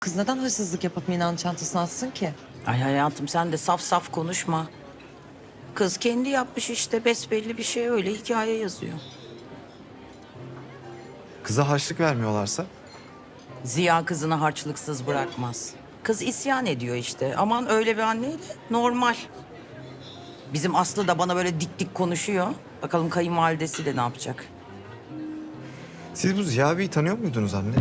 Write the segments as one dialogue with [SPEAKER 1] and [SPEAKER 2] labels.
[SPEAKER 1] Kız neden hırsızlık yapıp Mina'nın çantasını atsın ki?
[SPEAKER 2] Ay hayatım sen de saf saf konuşma. Kız kendi yapmış işte besbelli bir şey öyle hikaye yazıyor.
[SPEAKER 3] Kıza harçlık vermiyorlarsa?
[SPEAKER 2] Ziya kızını harçlıksız bırakmaz. Kız isyan ediyor işte. Aman öyle bir anneyle normal. Bizim Aslı da bana böyle dik dik konuşuyor. Bakalım kayınvalidesi de ne yapacak?
[SPEAKER 3] Siz bu Ziya Bey'i tanıyor muydunuz anne?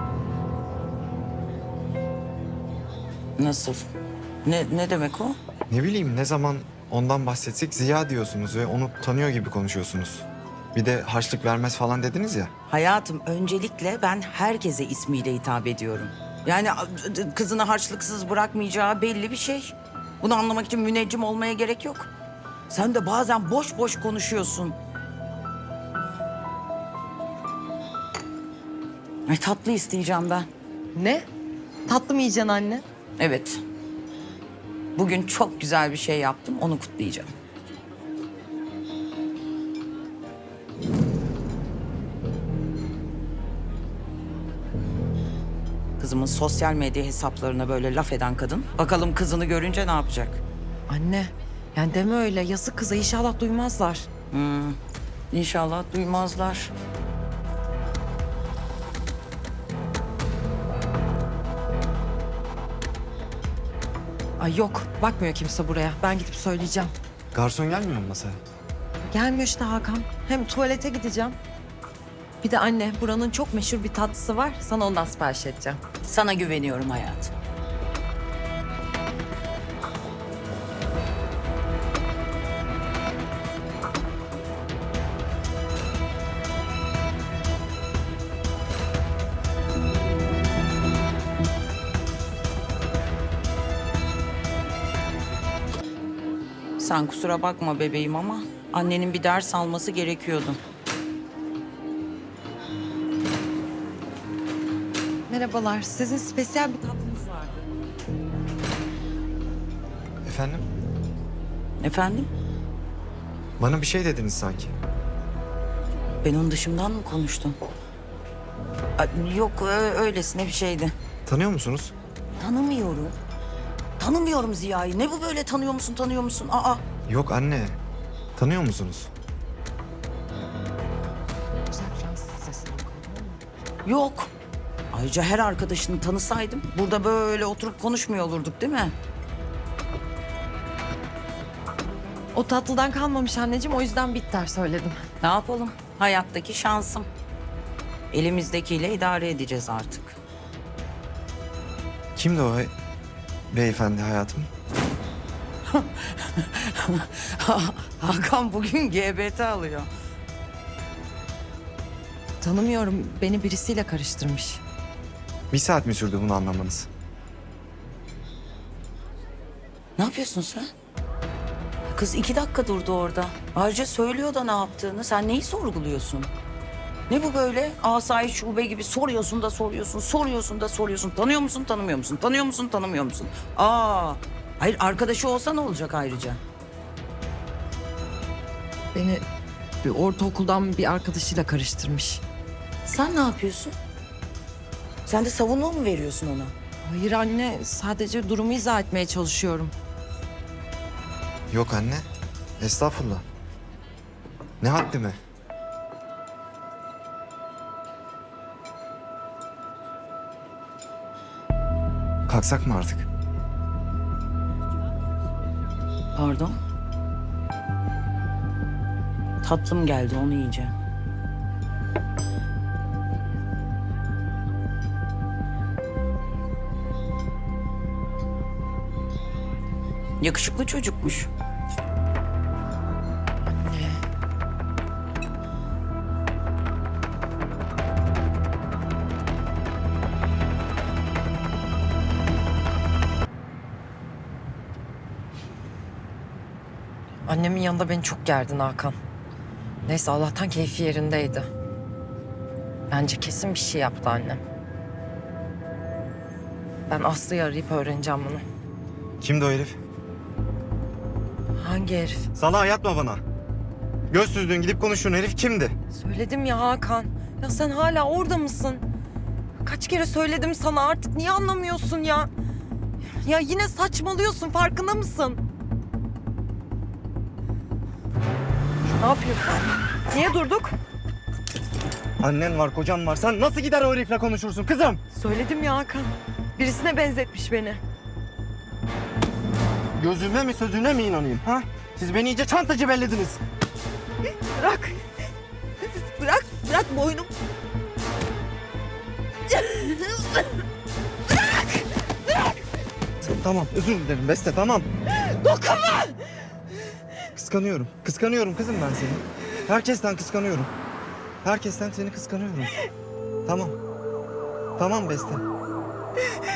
[SPEAKER 2] Nasıl? Ne demek o?
[SPEAKER 3] Ne bileyim ne zaman ondan bahsetsek Ziya diyorsunuz ve onu tanıyor gibi konuşuyorsunuz. Bir de harçlık vermez falan dediniz ya.
[SPEAKER 2] Hayatım öncelikle ben herkese ismiyle hitap ediyorum. Yani kızını harçlıksız bırakmayacağı belli bir şey. Bunu anlamak için müneccim olmaya gerek yok. Sen de bazen boş boş konuşuyorsun. Ay tatlı isteyeceğim ben.
[SPEAKER 1] Ne? Tatlı mı yiyeceksin anne?
[SPEAKER 2] Evet. Bugün çok güzel bir şey yaptım, onu kutlayacağım. Kızımın sosyal medya hesaplarına böyle laf eden kadın, bakalım kızını görünce ne yapacak?
[SPEAKER 1] Anne, yani deme öyle. Yazık kıza, inşallah duymazlar.
[SPEAKER 2] İnşallah duymazlar.
[SPEAKER 1] Ay yok, bakmıyor kimse buraya. Ben gidip söyleyeceğim.
[SPEAKER 3] Garson gelmiyor mu masaya?
[SPEAKER 1] Gelmiyor işte Hakan. Hem tuvalete gideceğim. Bir de anne, buranın çok meşhur bir tatlısı var. Sana ondan sipariş edeceğim.
[SPEAKER 2] Sana güveniyorum hayatım. Sen kusura bakma bebeğim ama annenin bir ders alması gerekiyordu.
[SPEAKER 1] Merhabalar, sizin spesiyel bir tatlınız vardı.
[SPEAKER 3] Efendim?
[SPEAKER 2] Efendim?
[SPEAKER 3] Bana bir şey dediniz sanki.
[SPEAKER 2] Ben onun dışımdan mı konuştum? Yok öylesine bir şeydi.
[SPEAKER 3] Tanıyor musunuz?
[SPEAKER 2] Tanımıyorum. Tanımıyorum Ziya'yı. Ne bu böyle tanıyor musun tanıyor musun? Aa.
[SPEAKER 3] Yok anne. Tanıyor musunuz?
[SPEAKER 1] Güzel Fransız sesi.
[SPEAKER 2] Yok. Ayrıca her arkadaşını tanısaydım burada böyle oturup konuşmuyor olurduk değil mi?
[SPEAKER 1] O tatlıdan kalmamış anneciğim, o yüzden bitter söyledim.
[SPEAKER 2] Ne yapalım? Hayattaki şansım. Elimizdekiyle idare edeceğiz artık.
[SPEAKER 3] Kimdi o beyefendi hayatım?
[SPEAKER 2] Hakan bugün GBT alıyor.
[SPEAKER 1] Tanımıyorum, beni birisiyle karıştırmış.
[SPEAKER 3] Bir saat mi sürdü bunu anlamanız?
[SPEAKER 2] Ne yapıyorsun sen? Kız 2 dakika durdu orada. Ayrıca söylüyor da ne yaptığını. Sen neyi sorguluyorsun? Ne bu böyle? Asayiş şube gibi soruyorsun da soruyorsun, soruyorsun da soruyorsun. Tanıyor musun, tanımıyor musun? Tanıyor musun, tanımıyor musun? Hayır arkadaşı olsa ne olacak ayrıca?
[SPEAKER 1] Beni bir ortaokuldan bir arkadaşıyla karıştırmış.
[SPEAKER 2] Sen ne yapıyorsun? Sen de savunma mı veriyorsun ona?
[SPEAKER 1] Hayır anne, sadece durumu izah etmeye çalışıyorum.
[SPEAKER 3] Yok anne. Estağfurullah. Ne haddime? Kalksak mı artık?
[SPEAKER 2] Pardon? Tatlım geldi, onu yiyeceğim. Yakışıklı çocukmuş.
[SPEAKER 1] Annemin yanında beni çok gerdin Hakan. Neyse Allah'tan keyfi yerindeydi. Bence kesin bir şey yaptı annem. Ben Aslı'yı arayıp öğreneceğim bunu.
[SPEAKER 3] Kimdi o herif?
[SPEAKER 1] Hangi herif?
[SPEAKER 3] Salağa yatma bana. Göz süzdüğün gidip konuştuğun herif kimdi?
[SPEAKER 1] Söyledim ya Hakan. Ya sen hala orada mısın? Kaç kere söyledim sana, artık niye anlamıyorsun ya? Ya yine saçmalıyorsun, farkında mısın? Ne yapıyorsun? Niye durduk?
[SPEAKER 4] Annen var, kocan var. Sen nasıl gider o herifle konuşursun kızım?
[SPEAKER 1] Söyledim ya Hakan. Birisine benzetmiş beni.
[SPEAKER 4] Gözüme mi sözüne mi inanayım ha? Siz beni iyice çantacı bellediniz.
[SPEAKER 1] Bırak. Bırak boynum.
[SPEAKER 4] Tamam, özür dilerim Beste, tamam.
[SPEAKER 1] Dokunma!
[SPEAKER 4] Kıskanıyorum kızım ben seni. Herkesten kıskanıyorum. Herkesten seni kıskanıyorum. Tamam. Tamam Beste.